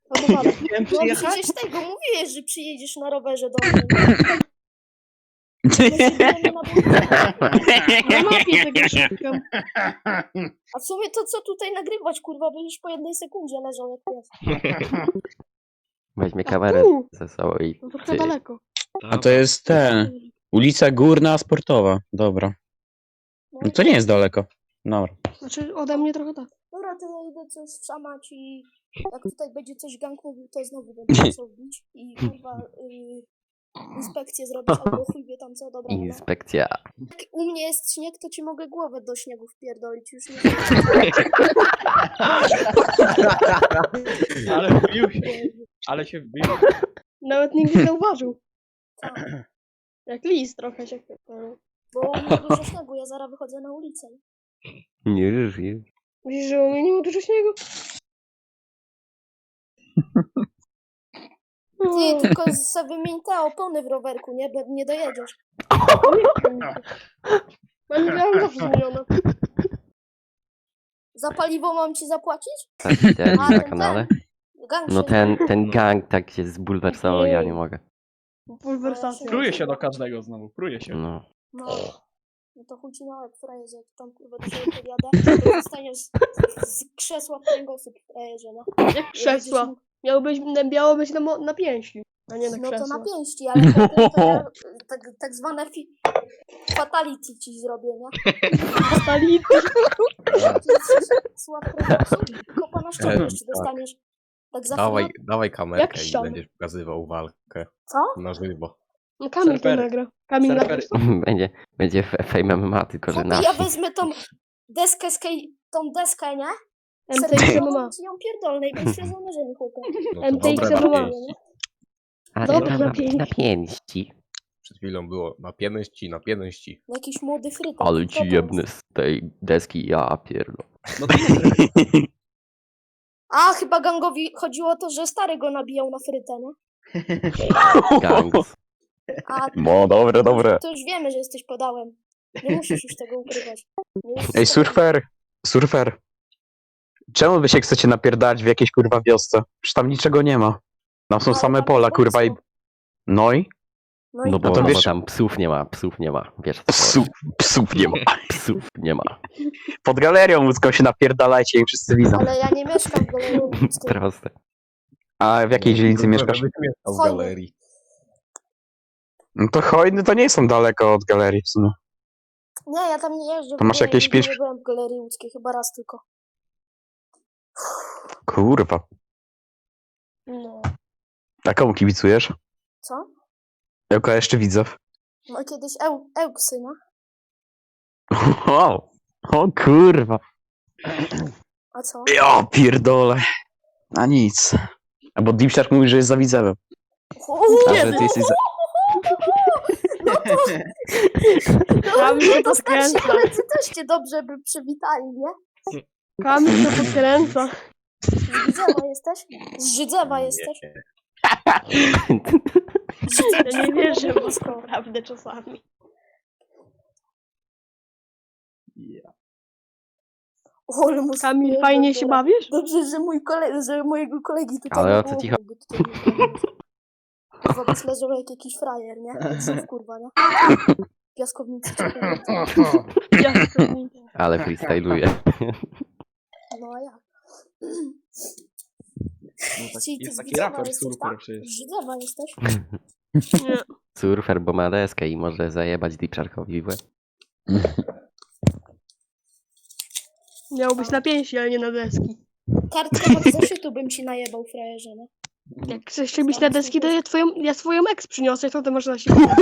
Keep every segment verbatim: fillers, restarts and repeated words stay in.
Albo wala. Chciałem No przyjechać? przecież tego mówiłeś, że przyjedziesz na rowerze do mnie. nie? My się bijemy na budowę. Na mapie tego szukam. A w sumie to co tutaj nagrywać, kurwa, bo już po jednej sekundzie leżał jak pies. Weźmie A kamerę tu! ze sobą i... No trochę daleko. A to jest ten. Ulica Górna Sportowa. Dobra. No to nie jest daleko. Dobra. Znaczy ode mnie trochę tak. Dobra, to ja idę coś wszamać i jak tutaj będzie coś gang mówił, to znowu będę musiał bić i kurwa y, inspekcję zrobić albo chuj wie tam co, dobra. No. Inspekcja. Jak u mnie jest śnieg, to ci mogę głowę do śniegu wpierdolić, już nie Ale wbił się. Ale się wbił. Nawet nikt nie zauważył. Co? Jak lis trochę się chwytał. Bo u mnie dużo śniegu, ja zaraz wychodzę na ulicę. Nie żyje. Myślisz, że u mnie nie ma dużo śniegu? Ty tylko sobie wymień te opony w rowerku, nie? Bo nie dojedziesz. Ja nie miałam zawsze zmienione. Za paliwo mam ci zapłacić? Tak widziałem A, na ten, kanale. Gang No się ten, ten gang tak się zbulwersował, ja nie mogę. Pulwersacja. Pruje się do każdego znowu, pruje się. No. No. No to chuj ci na łeb, frajerze, jak tam kurwa do siebie podjadę, to zostaniesz z, z krzesła w kręgosłup, frajerze, no. Jak krzesła. Miało być, miało być na, mo- na pięści, a nie na No to krzesła. na pięści, ale potem to ja tak, tak zwane fi- fatality ci zrobię, nie? Fatality. Krzesła w kręgosłup, kopa na ścianę jeszcze dostaniesz. Tak za Dawaj, chwilę. dawaj Jak kamerkę i ściana? będziesz pokazywał walkę Co? na żywo. No Kamil to Surfery. nagra. Kamil nagra. Surfery. Będzie, będzie f- Fame M M A, tylko że Chłopie, nasz. ja wezmę tą deskę, z kej- tą deskę, nie? M T X M M A. Ci ją pierdolę i będziesz się żołnierzem, chłopie. No M to T X dobre M M A. na pięści. Ale Dobra, tam na na, pięści. na pięści. Przed chwilą było na pięści, na pięści. Jakiś młody frytek. Ale Co ci to jebny jest? z tej deski, ja pierdolę. No to nie A, chyba gangowi chodziło o to, że stary go nabijał na frytę, nie? Gangs. A No, dobre, dobre. to już wiemy, że jesteś podałem. Nie musisz już tego ukrywać. Nie jesteś Ej, podałem. surfer. Surfer. Czemu wy się chcecie napierdać w jakiejś kurwa wiosce? Przecież tam niczego nie ma. Tam są No, same tam pola, jest kurwa i... boisko. No i? No i No bo, to no wiesz- bo tam psów nie ma, psów nie ma. Wiesz co? Psów, psów nie ma. Psów nie ma. Pod galerią łódzką się napierdalajcie i wszyscy widzą. ale ja nie mieszkam w Galerii Łódzkiej. Proste. A w jakiej dzielnicy mieszkasz? Będę mieszkał w Fajnie. galerii. No to hojny to nie są daleko od galerii w sumie. Nie, ja tam nie jeżdżę. To masz w ogóle, jakieś nigdy pięć- Nie byłem w Galerii Łódzkiej, chyba raz tylko. Kurwa. No. A komu kibicujesz? Co? Jaka jeszcze widzę? No kiedyś eł, Ełksy, no. O, o kurwa. A co? Ja pierdolę. A nic. A bo Deep Shark mówi, że jest za widzewem. A Nie, że ty jesteś za... No to, no, Kamil no się to starsi podkręca. koledzy też cię dobrze by przywitali, nie? Kamil to podkręca. Z Żydzewa jesteś? Z Żydzewa jesteś? Ja nie wierzę w was naprawdę czasami. O, ale mu Kamil, spierdol fajnie się teraz. bawisz? Dobrze, że mój kole... że mojego kolegi tutaj Ale nie o co było, ci bo tutaj nie było. Kurwa, byś leżał jak jakiś frajer, nie? Jak znów, kurwa, nie? Piaskownicy czekają. Ja Ale freestyluje. No a jak? No tak, Czyli ty jest z taki Widzewa raper jesteś, surfer tak? przecież. Z Żydzewa jesteś? nie. Surfer, bo ma deskę i może zajebać Deep Sharkowi w łeb. Miał być na pięści, ale nie na deski. Kartkę od zeszytu bym ci najebał, frajerze, nie? Jak chcesz się bić na deski, to ja, twoją, ja swoją ex przyniosę, to ty możesz na siebie. Ty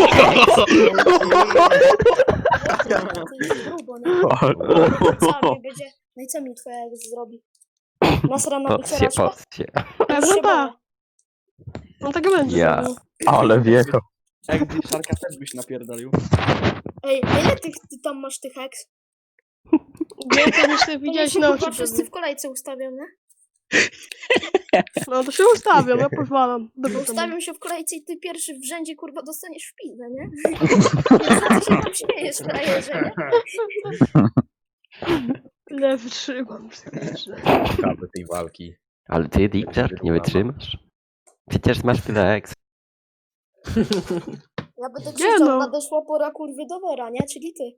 jest grubo, nie? Co mi będzie... No i co mi twoja ex zrobi? Nasrana Pot się, wycieraczka? pot się. Pewno tak. No tak będzie. Ja. zrobił. Ale wieko. Jak Deep Sharka też byś napierdolił. Ej, a ile tych, ty tam masz tych ex? Nie, to już ty widziałeś Oni się na chyba oczy. wszyscy pewnie. w kolejce ustawią, nie? No to się ustawiam, ja pozwalam. Bo Dobrze, to ustawią się w kolejce i ty pierwszy w rzędzie, kurwa, dostaniesz w pizdę, nie? Co ty się tam śmiejesz, frajerze, nie? Ile wytrzymam psychicznie. Ciekawe tej walki. Ale ty, Deepshark, nie wytrzymasz? Przecież masz tyle eks. Ja będę Nie krzyczał, no. nadeszła pora kurwy do wora, nie? Czyli ty.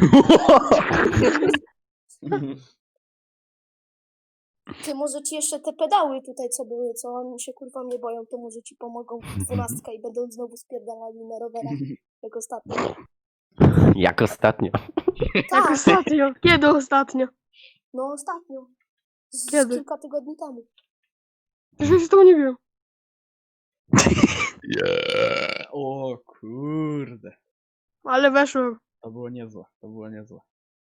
Ty, może ci jeszcze te pedały tutaj, co były, co oni się kurwa mnie boją, to może ci pomogą w dwunastka i będą znowu spierdalali na rowerach, jak ostatnio. Jak ostatnio. Jak Tak, ostatnio? Kiedy ostatnio? no ostatnio. Z Kiedy? kilka tygodni temu. Już z tego nie wiem. O kurde. Ale weszło. To było niezłe, to było niezłe.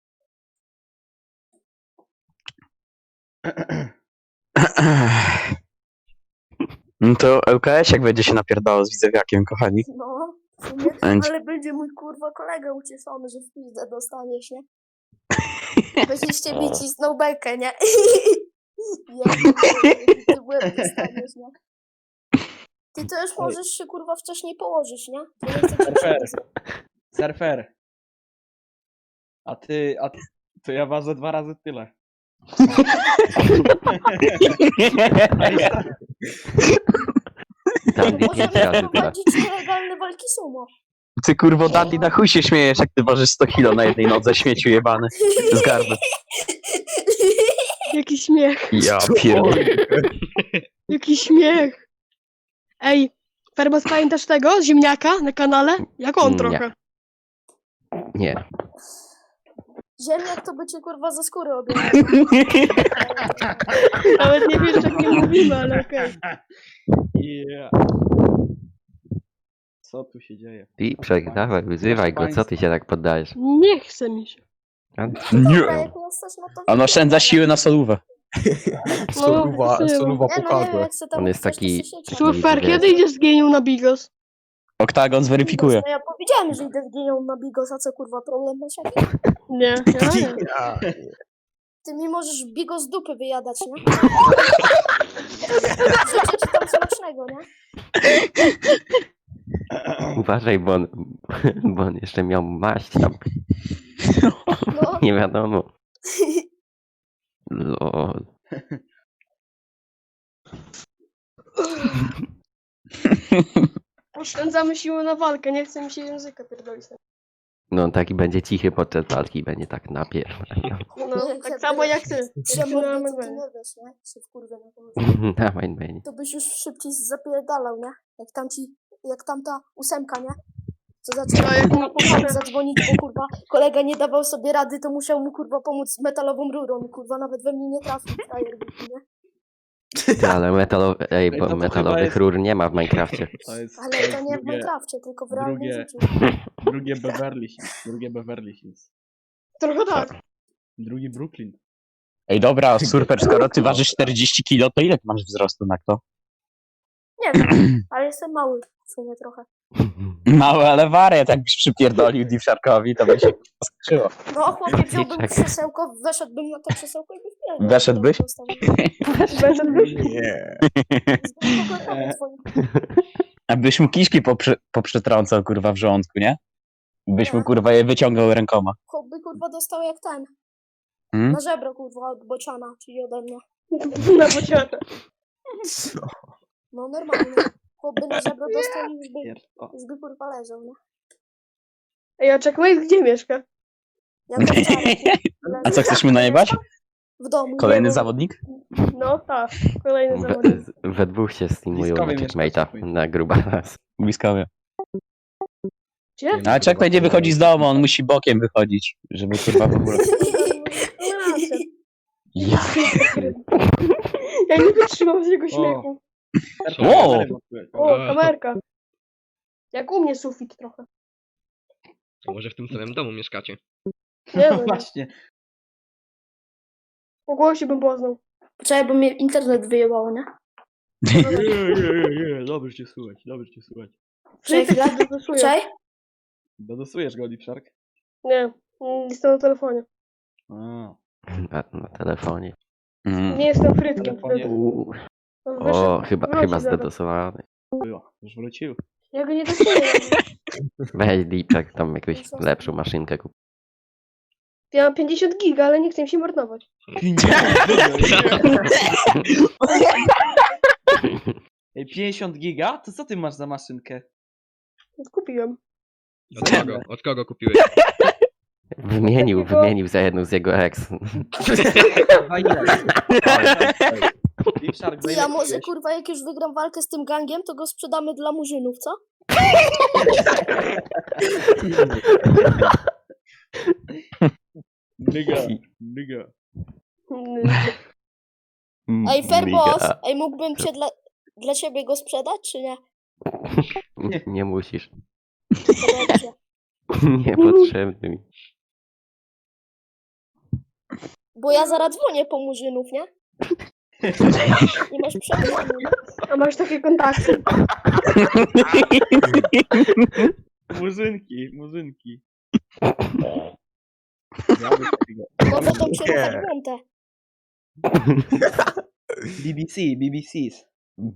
No to L K S jak będzie się napierdało z widzewiakiem, kochani. No, w sumie, Będzie. ale będzie mój kurwa kolega ucieszony, że w pizdę dostaniesz, nie? Będziecie mi cisnął bekę, nie? Ja pierdolę, ty w łeb dostaniesz, nie? Ty to już możesz się kurwa wcześniej położyć, nie? To nie chcę cię Surfer. krzywdzić. Surfer. A ty, a ty, to ja ważę dwa razy tyle. Dandy No pięć możemy razy tyle. prowadzić nielegalne walki sumo. Ty kurwo Dandy, na chuj się śmiejesz, jak ty ważysz sto kilo na jednej nodze, śmieciu jebany. Z garby. Jaki śmiech. Ja pierdolę. Jaki śmiech. Ej, Ferbas, pamiętasz tego? Ziemniaka na kanale? Jak on Nie. trochę. Nie. Ziemniak to by cię kurwa ze skóry obierał. Nawet nie wiesz, jak nie mówimy, ale okej. Yeah. Co tu się dzieje? Deepshark, dawaj, wyzywaj go, co ty się tak poddajesz? Nie chce mi się. A, Dobra, Nie. jak jesteś, no to... On oszczędza siły na solówę. Soluwa, No, soluwa Nie, no nie wiem, pokazła. jak se tam On jest chcesz, to taki- se siedź. Super, wiesz. kiedy idziesz z genium na Bigos? Oktagon zweryfikuje. No ja powiedziałem, że idę z genią na Bigosa, co kurwa problem masz jaki? Nie, ja nie. Ja, Ty mi możesz Bigos z dupy wyjadać, nie? Życzę ci tam smacznego, nie? uważaj, bo on, bo on jeszcze miał maść tam. No, Nie wiadomo. Lol. Oszczędzamy siłę na walkę, nie chce mi się języka pierdolić. No on taki będzie cichy podczas walki i będzie tak napierdalał. No, Jak tak ja samo byłem- jak ty. ja Tylko na mordę, to ty M M A. nie wiesz, nie? Się wkurwę na to. Dawaj, Benny. To byś już szybciej zapierdalał, nie? Jak tam ci, jak tamta ósemka, nie? Co zaczęła No, jak kurwa mu po pokażę. zadzwonić, bo kurwa kolega nie dawał sobie rady, to musiał mu kurwa pomóc z metalową rurą. Kurwa nawet we mnie nie trafił, frajer głupi, nie? Ty, ale metalo, ej, Ej, to bo to chyba metalowych jest- rur nie ma w Minecrafcie. To jest, Ale jest to nie w drugie, Minecrafcie, tylko w realnym drugie- życiu. drugie Beverly Hills. Drugie Beverly Hills. Trochę tak. Drugi Brooklyn. Ej dobra, Surfer, skoro ty ważysz czterdzieści kilo, to ile ty masz wzrostu na kto? Nie wiem, ale jestem mały w sumie trochę. Mały, ale wariat, jakbyś przypierdolił Deepsharkowi, to by się skrzyło. No chłopie, wziąłbym Czekaj. krzesełko, weszedłbym na to krzesełko i byś wpierdol. Weszedłbyś? nie. Abyś mu kiszki poprze poprzetrącał, kurwa, w żołądku, nie? Byś mu, kurwa, je wyciągał rękoma. Chłop by kurwa dostał jak ten. Hmm? Na żebro kurwa od bociana, czyli ode mnie. Na bocianę. Co? No normalnie. Chłop by na żebro dostał i już by, Pier- o. już by kurwa leżał, nie? Ej, a Checkmate gdzie mieszka? Ja to wczoraj A co, chcesz mu najebać? w domu. Kolejny no. zawodnik? No tak, kolejny We, zawodnik. we dwóch się streamują na Bliskowie checkmate'a mieszkacie. na grubas. Bliskowie. Gdzie? No, ale Czek będzie wychodzić z domu, on musi bokiem wychodzić, żeby, kurwa, w ogóle... No racja. Ja. Ja nie wytrzymam z jego śmiechu. Wow. O, kamerka. Jak u mnie sufit trochę. To może w tym samym domu mieszkacie. Nie No no, właśnie. po głosie bym poznał. Poczekaj, bo mnie internet wyjebało, nie? Nie, nie, nie, dobrze cię słuchać, dobrze cię słuchać. Czekaj chwilę. Dodosuję. Czekaj. Dodosujesz go, Deepshark? Nie, nie jestem na telefonie. A, Na, na telefonie. Mm. Nie jestem frytkiem. telefonie Uuu. On O, wyszedł. chyba, Wróci chyba zaraz. zdedosowany. było. Już wrócił. Ja go nie dosuję. Weź Deepshark, tam jakąś lepszą maszynkę kup. Ja mam pięćdziesiąt giga, ale nie chcę mi się marnować. Ej, pięćdziesiąt giga? To co ty masz za maszynkę? Kupiłem. Od kogo? Od kogo kupiłeś? Wymienił, Takiego- wymienił za jedną z jego ex. Dwa ile? Deep Shark, za Ty, ile a może kupiłeś? kurwa jak już wygram walkę z tym gangiem, to go sprzedamy dla murzynów, co? Nigga, nigga. Ej, fair Miga. boss, ej, mógłbym cię dla, dla ciebie go sprzedać, czy nie? Nie, nie musisz. To dobrze. Niepotrzebny mi. Bo ja zaraz dzwonię po murzynów, nie? Nie masz przemysłu. A masz takie kontakty? Murzynki, murzynki. Może tą przerwać montę. B B C, B B Cs.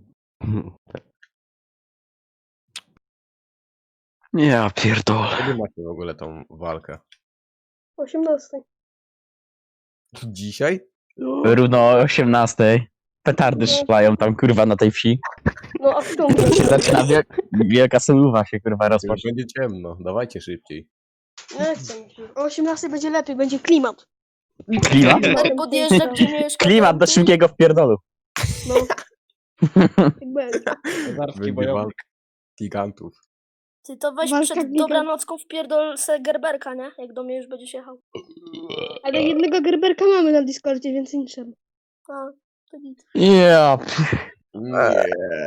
Ja pierdolę. Kiedy macie w ogóle tą walkę? osiemnastej. Dzisiaj? Równo o osiemnastej. Petardy strzelają tam kurwa na tej wsi. No a w tą Zaczyna wiek, wielka soluwa się kurwa Już rozpocznie. będzie ciemno, dawajcie szybciej. Nie chcę mi się. O osiemnastej będzie lepiej, będzie klimat. Klimat? Stary podjeżdża, gdzie mieszka. Klimat do tamty. szybkiego wpierdolu. No. Tak będzie. Kozarski Będzie bojownik. walka gigantów. Ty to weź Walka przed giga. dobranocką wpierdol se Gerberka, nie? Jak do mnie już będziesz jechał. Ale jednego gerberka mamy na Discordzie, więc nie trzeba. A, to nic. Ja. Nie.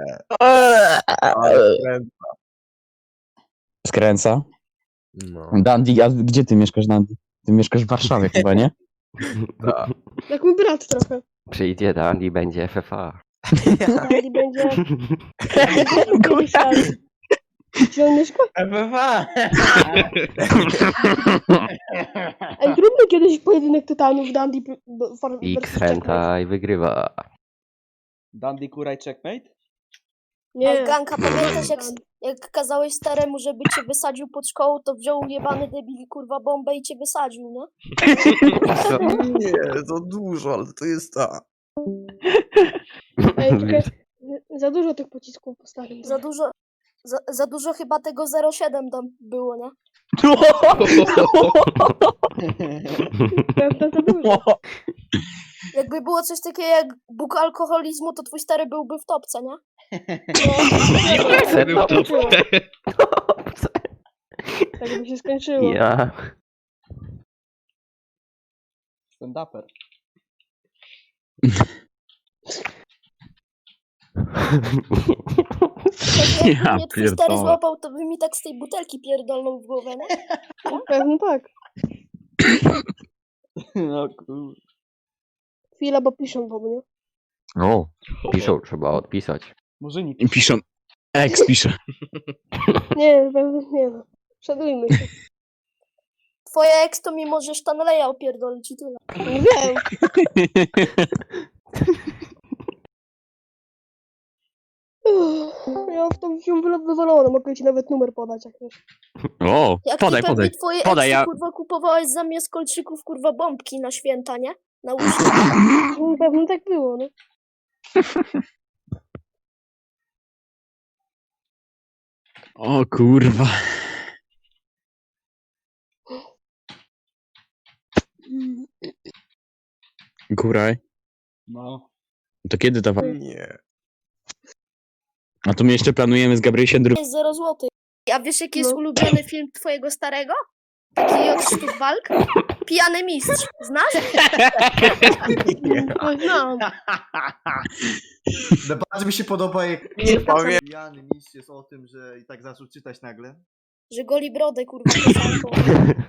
Ale kręt- Skręca. No, Dandy, a gdzie ty mieszkasz, Dandy? Ty mieszkasz w Warszawie chyba, nie? tak. Jak mój brat trochę. Przyjdzie Dan i będzie F F A. I będzie... Kiedyś tam. Gdzie on mieszka? F F A! Ej, zróbmy kiedyś pojedynek tytanów Dandy X Henta i wygrywa. Dandy Kuraj Checkmate? Ej, Nie. Ganka, pamiętasz jak, jak kazałeś staremu, żeby cię wysadził pod szkołą, to wziął jebany debil, kurwa, bombę i cię wysadził, nie? Nie, za dużo, ale to jest ta. Ej, czekaj. Za dużo tych pocisków postawił. Za dużo, za, za dużo chyba tego zero siedem tam było, nie? Prawda, za dużo. Jakby było coś takiego jak Bóg alkoholizmu, to twój stary byłby w topce, nie? No, Był to. tak by się skończyło. Ja. Stand-uper. Tak jakby Ja mnie twój stary pierdolę. złapał, to by mi tak z tej butelki pierdolnął w głowę, nie? Pewno tak. No kur... Chwila, bo piszą do mnie. O, Piszą, trzeba odpisać. Murzyni. piszą. Ex pisze. Nie, pewno nie no. Szanujmy się. Twoja ex to mi może Stanleya opierdolić i tyle. Nie wiem. Uff, ja w tą wziął wywalone, mogę ci nawet numer podać jak wiesz. O, Jak podaj, ty pewnie podaj. twoje podaj, ex ja- kurwa kupowałeś zamiast kolczyków kurwa bombki na święta, nie? Na uszy. No, pewno tak było, no. O kurwa. Kuraj. No. To kiedy ta wa- Nie. A to my jeszcze planujemy z Gabrysiem dru... Jest zero złotych. A wiesz jaki jest No. ulubiony film twojego starego? Taki od sztuk walk? Pijany mistrz. Znasz? No, znam. Bardzo mi się podoba, jak Nie powiem. Jan Mistrz jest o tym, że i tak zaczął czytać nagle. Że goli brodę kurwa koszarką.